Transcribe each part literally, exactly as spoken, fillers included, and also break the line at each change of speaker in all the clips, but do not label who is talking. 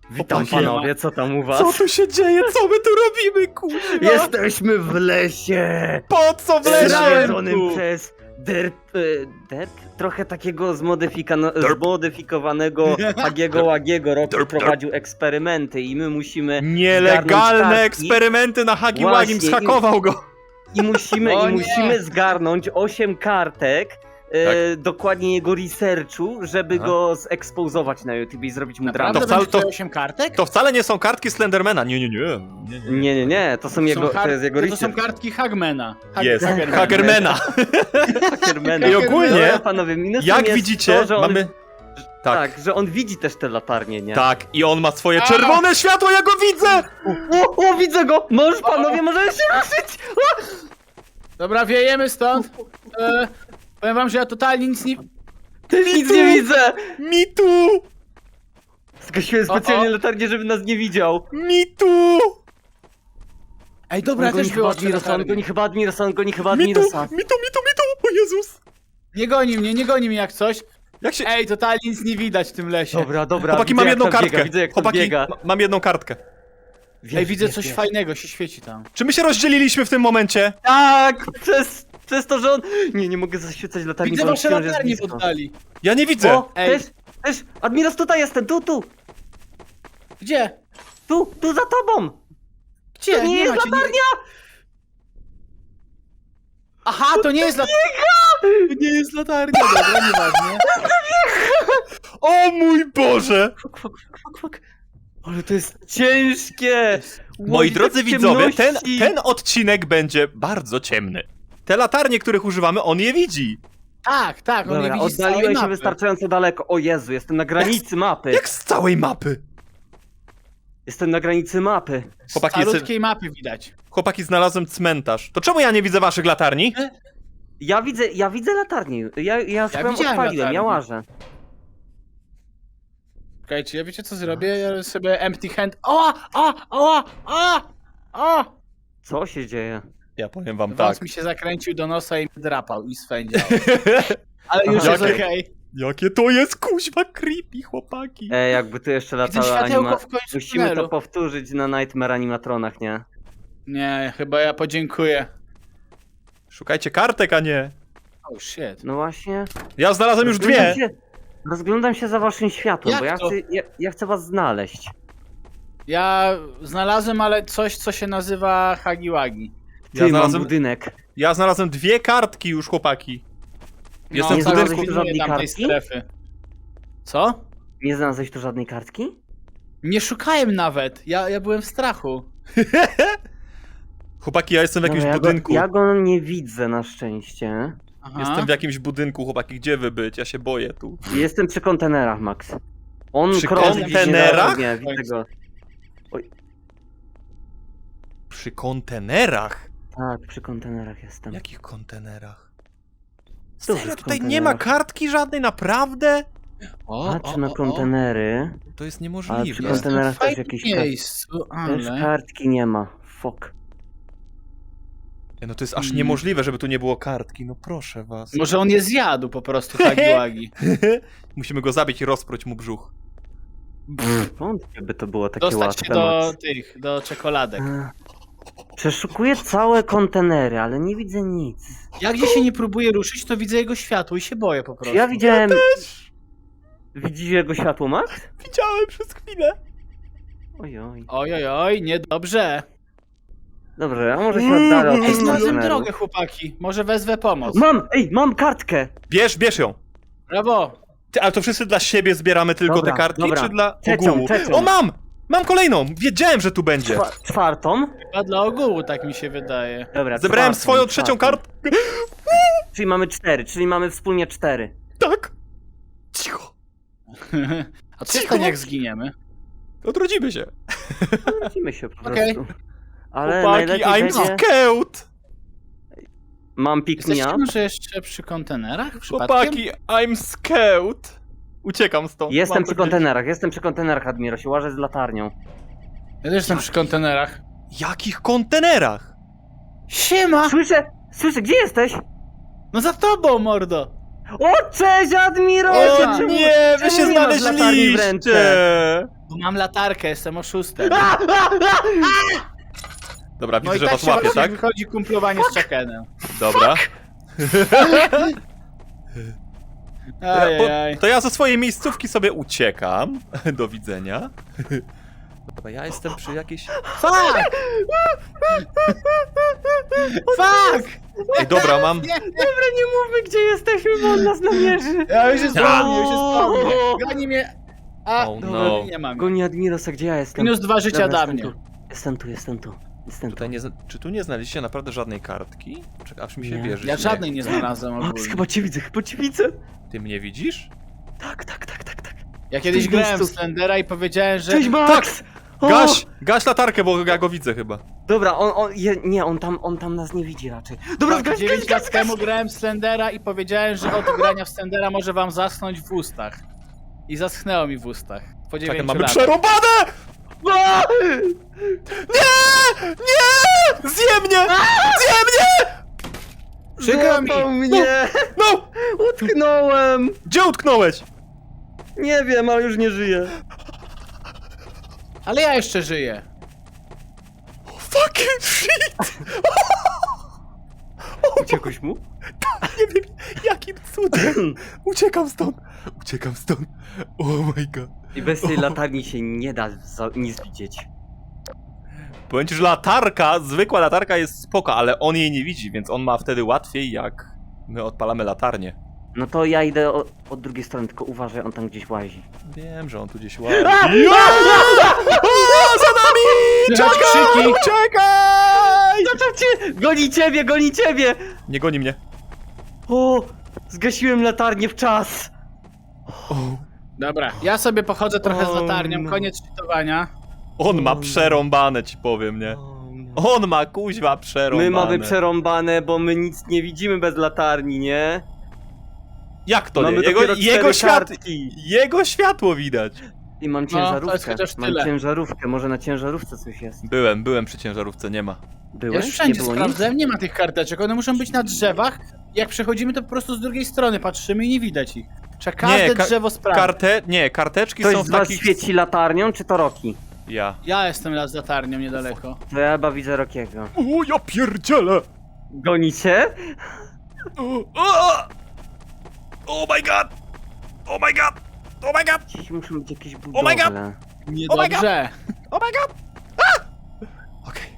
Witam
Chłopaki,
panowie, co tam u was?
Co tu się dzieje? Co my tu robimy, kurwa?
Jesteśmy w lesie!
Po co w lesie?
Nawiedzonym przez derp... e, derp? Trochę takiego zmodyfikano...
Derp.
zmodyfikowanego Hagiego Łagiego. Rocky
Derp, derp.
prowadził eksperymenty i my musimy...
Nielegalne
zgarnąć
eksperymenty na Hagi Wagim,
Właśnie,
zhakował go.
I musimy,
O
i
nie.
musimy zgarnąć osiem kartek, e,
Tak.
dokładnie jego researchu, żeby
Aha.
go zekspozować na YouTube i zrobić mu
Naprawdę
To
dramę.
wcale-
będzie
to-
osiem kartek?
To wcale nie są kartki Slendermana. Nie, nie, nie. nie, nie.
Nie, nie, nie, to są jego,
Są
to
kart-
jest jego
to, to są
research.
kartki Hagmana. Hag-
Jest,
Hagermana.
Hagermana.
Hackermana.
I ogólnie,
Dobra, panowie, minusem
jak
jest
widzicie,
to, że on,
mamy...
tak.
Tak,
że on widzi też te latarnie, nie?
tak. I on ma swoje
A!
czerwone światło, ja go widzę!
O, o, widzę go! Możesz, panowie, możesz się ruszyć!
Dobra, wiejemy stąd. E, powiem wam, że ja totalnie nic nie...
Też nic nie widzę!
Mi tu!
Zgasiłem
O,
specjalnie
o.
latarnię, żeby nas nie widział.
Mi tu!
Ej, dobra, ja
on goni
też
chyba
wyłączę
Admirosa, on
latarnię.
goni chyba Admirosa, on goni chyba
Mi tu, mi
Admirosa.
tu, mi tu, mi tu! O Jezus!
Nie goni mnie, nie goni mnie jak coś.
Jak się...
Ej, totalnie nic nie widać w tym lesie.
Dobra, dobra,
Chłopaki,
widzę,
mam
jak
jedną
to
kartkę.
Biega, widzę jak to
Chłopaki,
biega.
ma- mam jedną kartkę.
Ej, widzę coś fajnego, się świeci tam.
Czy my się rozdzieliliśmy w tym momencie?
Tak, przez, przez to, że on... Nie, nie mogę zaświecać latarni,
Widzę
bo on
wasze
wciąż jest
latarnie w
blisko.
oddali.
Ja nie widzę.
O,
Ej.
też, też, Admiros, tutaj jestem, tu, tu,
Gdzie?
tu, tu za tobą!
Gdzie?
To nie jest
macie,
latarnia!
Aha, to nie jest latarnia! To nie jest latarnia, dobra, nieważne.
O mój Boże!
Fuck, fuck, fuck, fuck. Ale to jest ciężkie!
Moi
Łowić
drodzy
w
widzowie, ten,
ciemności.
ten odcinek będzie bardzo ciemny. Te latarnie, których używamy, on je widzi.
Tak, tak, on
Dobra,
nie widzi z całej
oddaliłem się
mapy.
wystarczająco daleko. O Jezu, jestem na granicy mapy.
Jak z całej mapy.
Jestem na granicy mapy.
Z
Chłopaki, jest-
malutkiej mapy widać.
Chłopaki, znalazłem cmentarz. To czemu ja nie widzę waszych latarni?
Ja widzę, ja widzę latarnię. Ja, ja swoją
widziałem
odpaliłem, ja
latarnię.
łażę.
Okej, czy ja wiecie co zrobię? Ja sobie empty hand... O! O! O! O! O!
Co się dzieje?
Ja powiem wam
Wąs
tak.
mi się zakręcił do nosa i mnie drapał i swędział. Ale już
Aha,
jest
okej.
okej.
Jakie to jest kuźwa creepy, chłopaki.
E, jakby tu jeszcze
Widzę
latała
światełko
anima...
w końcu
Musimy to
tunelu.
powtórzyć na Nightmare Animatronach, nie?
Nie, chyba ja podziękuję.
Szukajcie kartek, a nie.
Oh shit.
No właśnie.
Ja znalazłem już
Rozglądam
dwie.
Się, rozglądam się za waszym światłem,
Jak
bo ja
to?
chcę, ja, ja chcę was znaleźć.
Ja znalazłem, ale coś, co się nazywa Hagiwagi.
Ty,
Ja
mam
znalazłem,
budynek.
ja znalazłem dwie kartki już, chłopaki. Jestem
nie
w
tak,
budynku.
znalazłeś tu
pilnuję
żadnej
tamtej
kartki?
strefy. Co?
Nie znalazłeś tu żadnej kartki?
Nie szukałem nawet. Ja, ja byłem w strachu.
Chłopaki, ja jestem w jakimś
Dobra, ja
budynku.
Go, ja go nie widzę na szczęście.
Aha.
Jestem w jakimś budynku, chłopaki. Gdzie wy być? Ja się boję tu.
Jestem przy kontenerach, Max. On
Przy
krąży gdzieś
kontenerach?
niedaleko. Nie, widzę go.
Przy kontenerach?
Tak, przy kontenerach jestem.
Jakich kontenerach?
Dużych
Serio, tutaj nie ma
kontenerach.
kartki żadnej, naprawdę?
O,
Patrzę na kontenery.
To jest
Ale przy
niemożliwe.
Jestem
kontenerach
w
też
fajnym
jakieś kart-
miejscu,
Też
ale...
kartki nie ma. Fuck.
Nie, No to jest aż
Mm.
niemożliwe, żeby tu nie było kartki. No proszę was.
Może on je zjadł po prostu, Hagiwagi.
Musimy go zabić i rozpróć mu brzuch.
Wątpię, by to było takie
Dostać
łatwe.
się do
Max.
tych, do czekoladek.
Ech. Przeszukuję całe kontenery, ale nie widzę nic.
Ja gdzie się nie próbuję ruszyć, to widzę jego światło i się boję po prostu.
Ja widziałem... Widzisz jego światło, Max?
Widziałem przez chwilę.
Ojoj.
Oj, oj, oj, niedobrze.
Dobrze, a może się oddalę od
Ej,
tych
znalazłem
kontenerów.
drogę, chłopaki. Może wezwę pomoc.
Mam! Ej, mam kartkę!
Bierz, bierz ją.
Brawo.
Ty, ale to wszyscy dla siebie zbieramy tylko
Dobra,
te kartki,
dobra.
czy dla
Trzecią,
ogółu?
trzecią.
O, mam! Mam kolejną! Wiedziałem, że tu będzie.
Czwa czwartą?
Chyba dla ogółu, tak mi się wydaje.
Dobra,
Zebrałem
czwartą,
swoją trzecią
czwartą.
kartkę.
Czyli mamy cztery, czyli mamy wspólnie cztery.
Tak. Cicho.
A co
Cicho.
stanie jak zginiemy?
Odrodzimy się.
Wrócimy się po
Okej.
prostu. Ale
Chłopaki,
najlepiej
I'm
będzie...
scared.
Mam pick me
Jesteście
up.
może jeszcze przy kontenerach? Przypadkiem?
Chłopaki, I'm scared. Uciekam stąd.
Jestem
Mam
przy
to gdzieś.
kontenerach, jestem przy kontenerach, Admiro, się łażę z latarnią.
Ja też jestem przy kontenerach.
Jakich kontenerach?
Siema!
Słyszę, słyszę, gdzie jesteś?
No za tobą, mordo!
O, cześć, Admiro!
O,
Czemu-
nie, wy
czemu
się
nie masz latarni w ręce?
znaleźliście!
Bo mam latarkę, jestem oszustem.
Dobra,
No
widzę,
i
że
tak
was
się
łapie,
właśnie
tak?
wychodzi kumplowanie z Chuckenem.
Dobra.
Ajajaj.
To ja ze swojej miejscówki sobie uciekam. Do widzenia. Dobra, ja jestem przy jakiejś...
Fuck! Fuck!
Ej, dobra, mam...
Nie,
Dobra, nie mówmy, gdzie jesteśmy, bo on nas namierzy.
ja już jest po
Ja.
mnie, już jest po mnie. Goni mnie. A,
Oh
dobra,
no.
nie mam.
Goni Admirosa, gdzie ja jestem?
Minus dwa życia
Dobra,
da
jestem
mnie.
tu. Jestem tu, jestem tu. Jestem tu.
Tutaj nie, zna- czy tu nie znaleźliście naprawdę żadnej kartki? Czekaj, aż mi się
Nie.
wierzy.
Ja żadnej nie znalazłem
Max,
ogólnie.
chyba cię widzę, chyba cię widzę.
Ty mnie widzisz?
Tak, tak, tak, tak, tak.
Ja kiedyś
Cześć,
grałem w
Gustów.
Slendera i powiedziałem, że...
Cześć, Max! O!
Gaś! Gaś latarkę, bo ja go widzę chyba.
Dobra, on, on, je, nie, on tam, on tam nas nie widzi raczej. Dobra,
Tak,
gaś,
dziewięć
gaś,
lat
gaś,
temu grałem w Slendera i powiedziałem, że od grania w Slendera może wam zaschnąć w ustach. I zaschnęło mi w ustach. Po
Czekaj,
dziewięciu
mamy
latach.
przerąbane!
A!
Nie! Nie! Zje mnie! Zje mnie!
Przykro mi!
Złapał mnie!
No!
Utknąłem!
Gdzie utknąłeś?
Nie wiem, ale już nie żyję.
Ale ja jeszcze żyję.
Fucking shit!
Uciekłeś mu?
Nie wiem, jakim cudem. Uciekam stąd. Uciekam stąd. Oh my god.
I bez tej latarni się nie da za, nic widzieć.
Powiem ci, że latarka, zwykła latarka jest spoko, ale on jej nie widzi, więc on ma wtedy łatwiej, jak my odpalamy latarnię.
No to ja idę o, od drugiej strony, tylko uważaj, on tam gdzieś łazi.
Wiem, że on tu gdzieś łazi. O, za nami!
Słychać krzyki!
Czekaj!
Zaczął cię! Goni ciebie, goni ciebie!
Nie goni mnie.
O! Zgasiłem latarnię w czas!
O,
Dobra, ja sobie pochodzę trochę z
O,
latarnią,
no.
koniec czytowania.
on ma przerąbane, ci powiem, nie? On ma kuźwa przerąbane.
My mamy przerąbane, bo my nic nie widzimy bez latarni, nie?
Jak to
mamy
nie? Jego,
dopiero
jego,
cztery
świat,
kartki.
jego światło widać.
I mam
No, to jest
ciężarówkę.
chociaż
mam
tyle.
ciężarówkę, może na ciężarówce coś jest.
Byłem, byłem przy ciężarówce, nie ma.
Byłeś?
Ja już wszędzie
nie było
sprawdzałem, nie ma tych karteczek, one muszą być na drzewach. Jak przechodzimy, to po prostu z drugiej strony patrzymy i nie widać ich. Trzeba każde
Nie, ka-
drzewo sprawdzić.
Karte... Nie, karteczki
Ktoś
są
z
w
was
takich...
świeci latarnią, czy to Roki?
Ja.
Ja jestem las z latarnią niedaleko.
To ja chyba widzę Rokiego.
O, ja pierdzielę!
Gonicie?
O, o! Oh my god! Oh my god! Oh my god!
Gdzieś muszą być jakieś
my
budowle.
God!
Niedobrze.
Oh my god! Ah! Okej.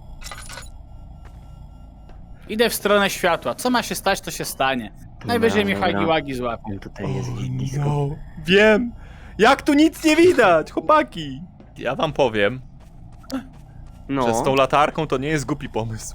Idę w stronę światła. Co ma się stać, to się stanie. Najwyżej mnie
dobra.
Hagi-Wagi złapie.
On tutaj jest gdzieś blisko.
No, wiem! Jak tu nic nie widać, chłopaki! Ja wam powiem,
No,
że z tą latarką to nie jest głupi pomysł.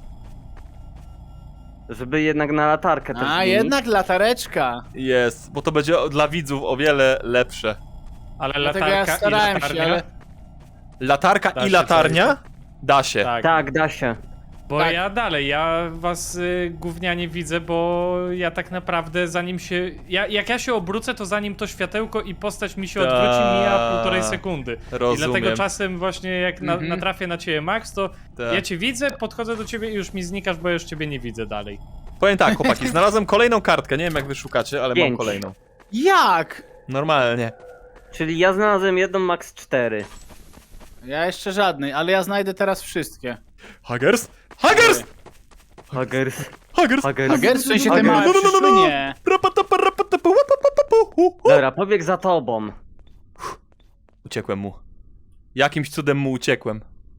żeby jednak na latarkę też
A,
zmienić.
jednak latareczka.
Jest, bo to będzie o- dla widzów o wiele lepsze.
Ale
Dlatego
latarka
ja starałem
i latarnia?
się, ale...
Latarka
Da
i
się
latarnia? Da się.
Tak,
Tak, da się.
bo
tak.
ja dalej, ja was y, gównianie widzę, bo ja tak naprawdę zanim się, ja, jak ja się obrócę, to zanim to światełko i postać mi się
Ta.
odwróci, mija półtorej sekundy.
Rozumiem.
I dlatego czasem właśnie jak na,
Mhm.
natrafię na ciebie, Max, to
Tak.
ja cię widzę, podchodzę do ciebie i już mi znikasz, bo ja już ciebie nie widzę dalej.
Powiem tak, chłopaki, znalazłem kolejną kartkę, nie wiem jak wy szukacie, ale mam
Pięć.
kolejną.
Jak?
Normalnie.
Czyli ja znalazłem jedną, max cztery.
Ja jeszcze żadnej, ale ja znajdę teraz wszystkie.
Huggers? Huggers!
Huggers.
Huggers!
Huggers.
Hager, w sensie te
Hager.
małe
No, no, no, no, no.
przyszłynie.
Rapatapa, rapatapu, łapapapa, hu, hu.
Dobra, pobieg za tobą.
Uciekłem mu. Jakimś cudem mu uciekłem.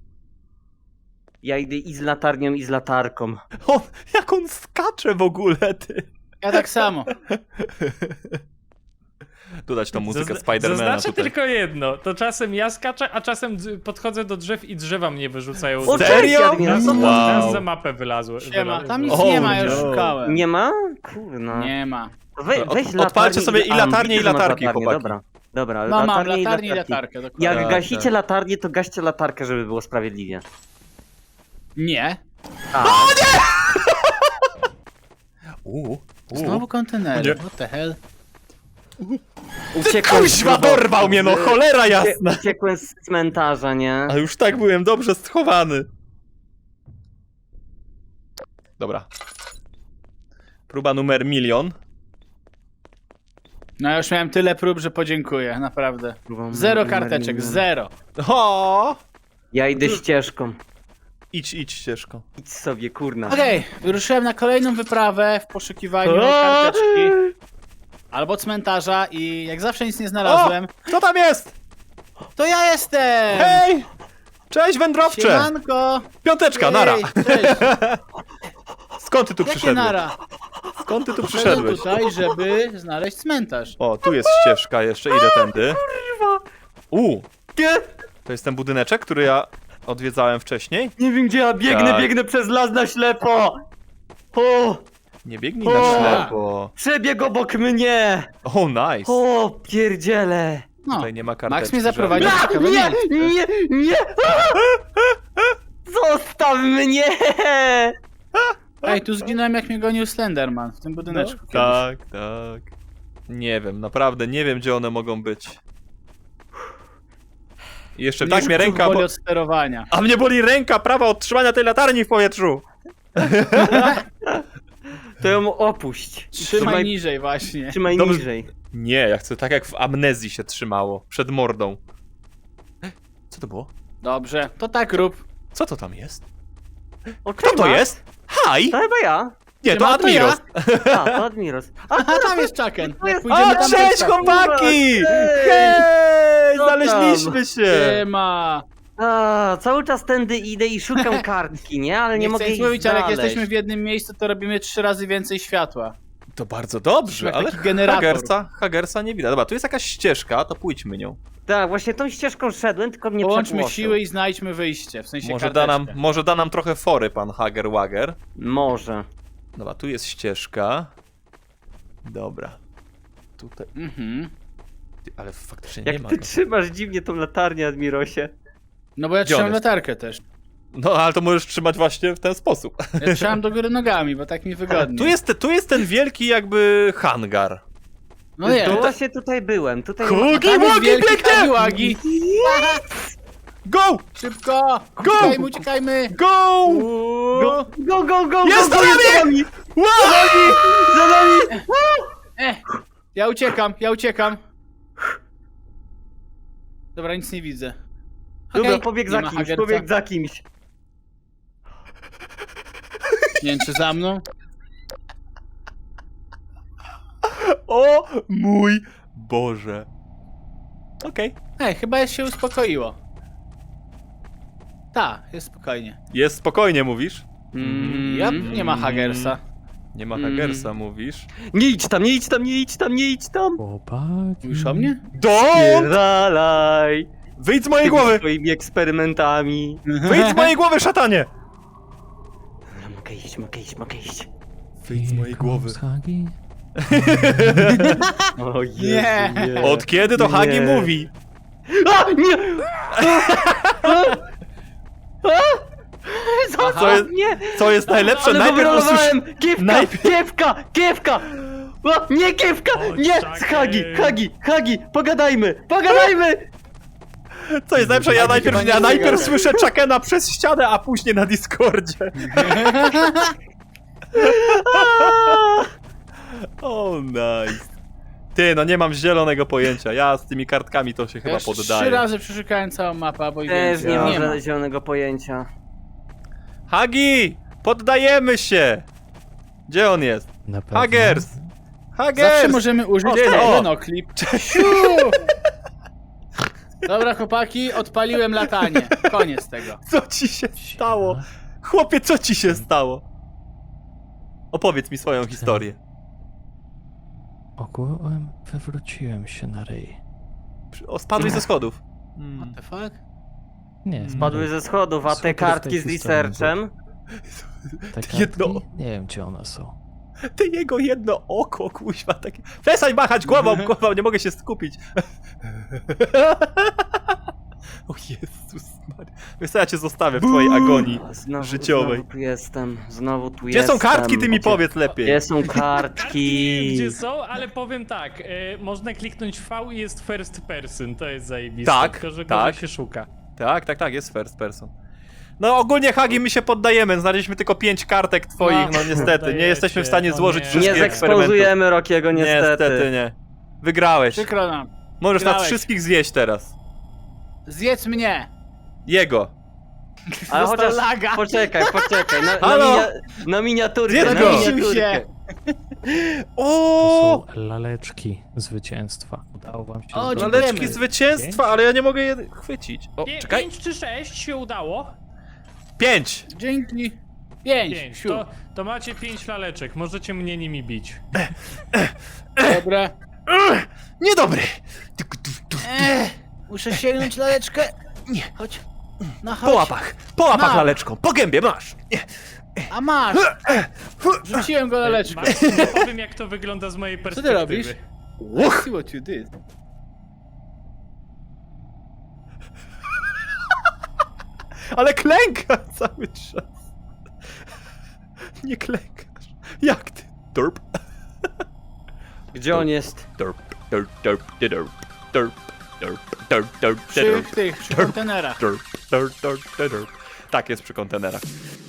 Ja idę i z latarnią, i z latarką.
On, jak on skacze w ogóle, ty.
Ja tak samo.
Dodać tą muzykę
Zazna-
Spidermana
Zaznaczę
tutaj.
tylko jedno, to czasem ja skaczę, a czasem dz- podchodzę do drzew i drzewa mnie wyrzucają.
O,
Teraz-
Serio?
cześć, Admiral, co tam?
Teraz
Wow.
za mapę wylazłem.
Siema, tam nic
O,
nie ma, ja już
no.
szukałem.
Nie ma? Kurna.
Nie ma.
We,
Od-
weź
odpalcie
latarnię
sobie i
a,
latarnię,
widzę,
i
że masz
latarki,
latarnię,
chłopaki.
Dobra, dobra,
No mam
latarnię
latarnię i
latarki.
latarkę, dokładnie.
Jak
Tak,
gasicie
tak.
latarnię, to gaście latarkę, żeby było sprawiedliwie.
Nie.
A,
Uuu,
Znowu kontenery,
Nie.
what the hell?
uciekłem z
Kuźwa,
grobu-
dorwał mnie, no cholera
ucie-
jasna!
Uciekłem z cmentarza, nie?
A już tak byłem dobrze schowany. Dobra. Próba numer milion.
No ja już miałem tyle prób, że podziękuję, naprawdę. Zero karteczek, zero.
O!
Ja idę ścieżką.
Idź, idź ścieżką.
Idź sobie, kurna.
Okej, wyruszyłem na kolejną wyprawę w poszukiwaniu
O!
karteczki albo cmentarza i jak zawsze nic nie znalazłem.
Co tam jest?
To ja jestem!
Hej! Cześć wędrowcze!
Siemanko!
Piąteczka, nara!
Ej, cześć!
Skąd ty tu
Jakie
przyszedłeś?
nara?
Skąd ty tu
Przyszedłem
przyszedłeś?
tutaj, żeby znaleźć cmentarz.
O, tu jest ścieżka jeszcze, idę tędy. U,
Nie,
to jest ten budyneczek, który ja odwiedzałem wcześniej.
nie wiem gdzie ja biegnę,
Tak.
biegnę przez las na ślepo. O,
Nie biegnij
O!
na ślepo.
przebieg obok mnie.
O, nice.
O, pierdziele.
No,
Tutaj nie ma karteczki.
Max mnie zaprowadził w
A,
ciekawe
nie,
miejsce.
nie, nie. Zostaw mnie.
Ej, tu zginąłem jak mnie gonił Slenderman w tym budyneczku. kiedyś.
Tak, tak. Nie wiem, naprawdę nie wiem, gdzie one mogą być. I jeszcze
Mnie
tak mnie
brzuch
ręka,
boli
bo...
od sterowania.
A mnie boli ręka prawa od trzymania tej latarni w powietrzu.
To ją opuść.
Trzymaj niżej właśnie.
Trzymaj
Dobrze.
niżej.
Nie, ja chcę tak jak w amnezji się trzymało. Przed mordą. Co to było?
Dobrze, to tak rób.
Co to tam jest?
O,
Kto to
Max.
jest? Haj!
To chyba ja.
Nie, to
Siema, to ja.
Admiros.
A, to Admiros. A,
Aha, tam jest Chucken. Jak
O,
pójdziemy tam, to
cześć
jest Chucken.
chłopaki!
Hej!
Hej!
Co tam?
Znaleźliśmy się!
Siema.
a, cały czas tędy idę i szukam kartki, nie? Ale nie,
Nie
mogę
chcę
jej
nic mówić, ale jak
znaleźć.
jesteśmy w jednym miejscu, to robimy trzy razy więcej światła.
To bardzo dobrze,
Jak
ale
taki generator.
Hagersa, Hagersa nie widać. Dobra, tu jest jakaś ścieżka, to pójdźmy nią.
Tak, właśnie tą ścieżką szedłem, tylko mnie
Połączmy
przepłoszył.
siły i znajdźmy wyjście, w sensie
Może da, nam,
karteczkę.
może da nam trochę fory pan Hager Wager.
Może.
Dobra, tu jest ścieżka. Dobra. Tutaj.
Mhm.
Ty, ale faktycznie nie
Jak
ma.
ty
go.
trzymasz dziwnie tą latarnię, Admirosie.
No bo ja
Gdzie on
trzymam
jest?
latarkę też.
No, ale to możesz trzymać właśnie w ten sposób.
Ja trzymam do góry nogami, bo tak mi wygodnie.
Tu jest, tu jest ten wielki jakby hangar.
No nie.
To właśnie tutaj byłem, tutaj...
Hugi,
Tam jest
Wagi,
wielki
biegnie!
Hagiwagi.
Go!
Szybko!
Go!
Uciekajmy, uciekajmy!
Go!
Go, go, go, go,
Jest
go,
za
go,
nami!
za nami!
Wow!
Za nami!
E, ja uciekam, ja uciekam. Dobra, nic nie widzę.
Dobra,
Okej,
pobieg
nie
za
ma
kimś,
Hagerca.
pobieg za kimś.
Nie wiem, czy za mną?
O mój Boże. Okej.
Ej, chyba jest się uspokoiło. Ta, jest spokojnie.
Jest spokojnie, mówisz?
Mm.
Ja, nie ma Hagersa.
Nie ma
Mm.
Hagersa, mówisz?
Nie idź tam, nie idź tam, nie idź tam, nie idź tam!
Chłopaki.
Mówisz o mnie?
Don't!
Spierdalaj!
Wyjdź z mojej
Tymi
głowy!
swoimi eksperymentami.
Wyjdź z mojej głowy, szatanie!
Dobra, mogę iść, mogę iść, mogę iść.
Wyjdź z mojej głowy.
Hagi?
O Jezu,
Nie.
nie.
Od kiedy to Hagi
Nie.
mówi?
A, nie! A, a, Zostaw
Co jest-
mnie!
Co jest najlepsze?
Ale
Najpierw usłysz...
wylądowałem! Kiewka,
najpierw-
kiewka, kiewka! O, nie kiewka! Nie!
czekaj.
Hagi, Hagi, Hagi! Pogadajmy, pogadajmy!
Co jest najlepsze? Ja
Hagi
najpierw,
chyba nie
ja najpierw
zgadza.
słyszę Chuckena przez ścianę, a później na Discordzie. O, nice. Ty, no nie mam zielonego pojęcia. Ja z tymi kartkami to się
Ja
chyba
już trzy
poddaję.
razy przeszukałem całą mapę, bo i
Też
więcej.
nie mam
nie ma.
żadnego zielonego pojęcia.
Hagi! Poddajemy się! Gdzie on jest?
Na pewno.
Hagers! Hagers!
Zawsze możemy użyć
O, cześć.
Lenoklip. Dobra, chłopaki, odpaliłem latanie. Koniec tego.
Co ci się stało? Chłopie, co ci się stało? Opowiedz mi swoją historię.
Ogółem wywróciłem się na ryj.
O, spadłeś ze schodów. Hmm.
What the fuck?
Nie,
Spadły ze schodów, a te
Słuchaj,
kartki
w
z
tej historii
researchem?
Te kartki?
jedno-
Nie wiem, gdzie one są.
Ty jego jedno oko, kuźwa, takie... Przestań machać głową, głową, nie mogę się skupić. O Jezus Maria. Wiesz co, ja cię zostawię w twojej agonii
Znowu,
życiowej.
Znowu tu jestem, znowu tu
Gdzie
jestem.
są kartki, ty mi
Gdzie-
powiedz lepiej.
Gdzie są
Kartki
kartki?
nie wiem, gdzie są, ale powiem tak, e, można kliknąć V i jest first person, to jest zajebiste,
Tak,
tylko że
tak.
gorzej się szuka.
Tak, tak, tak, jest first person. No ogólnie Hagi, my się poddajemy, znaleźliśmy tylko pięć kartek twoich, no,
No,
niestety, nie
poddajecie,
jesteśmy w stanie
o
złożyć
nie.
wszystkich
Nie
eksperymentów.
zekspozujemy Rokiego, niestety.
Niestety nie. Wygrałeś.
Przykro nam.
Możesz nas
Wygrałeś.
wszystkich zjeść teraz.
Zjedz mnie!
Jego.
Ale
Dostał
chociaż,
laga.
poczekaj, poczekaj, na, na,
Halo?
minia, na miniaturkę,
Zjedz
na
go.
Zawiesił się.
miniaturkę.
O,
To są laleczki zwycięstwa. Udało wam się.
O,
zdobyć.
dziękujemy.
laleczki zwycięstwa, ale ja nie mogę je chwycić. O,
Pię-
czekaj.
Pięć czy sześć się udało?
Pięć.
Dzięki. Pięć.
Pięć.
Siu.
To, to macie pięć laleczek, możecie mnie nimi bić.
Dobra.
Niedobry.
Ech, muszę sięgnąć laleczkę. Nie. Chodź. No chodź.
Po łapach. Po łapach
Mam.
laleczką. Po gębie masz.
A masz. Rzuciłem go laleczką.
Marcin, nie powiem jak to wygląda z mojej
Co
perspektywy.
ty robisz?
Uch.
See what you did.
Ale klęka cały czas. Nie klękasz. Jak ty? Derp.
Gdzie on jest?
Derp, derp, derp, derp, derp, derp, derp, derp,
Przy
derp,
tych, przy kontenerach.
derp, derp, derp, derp. Tak jest przy kontenerach.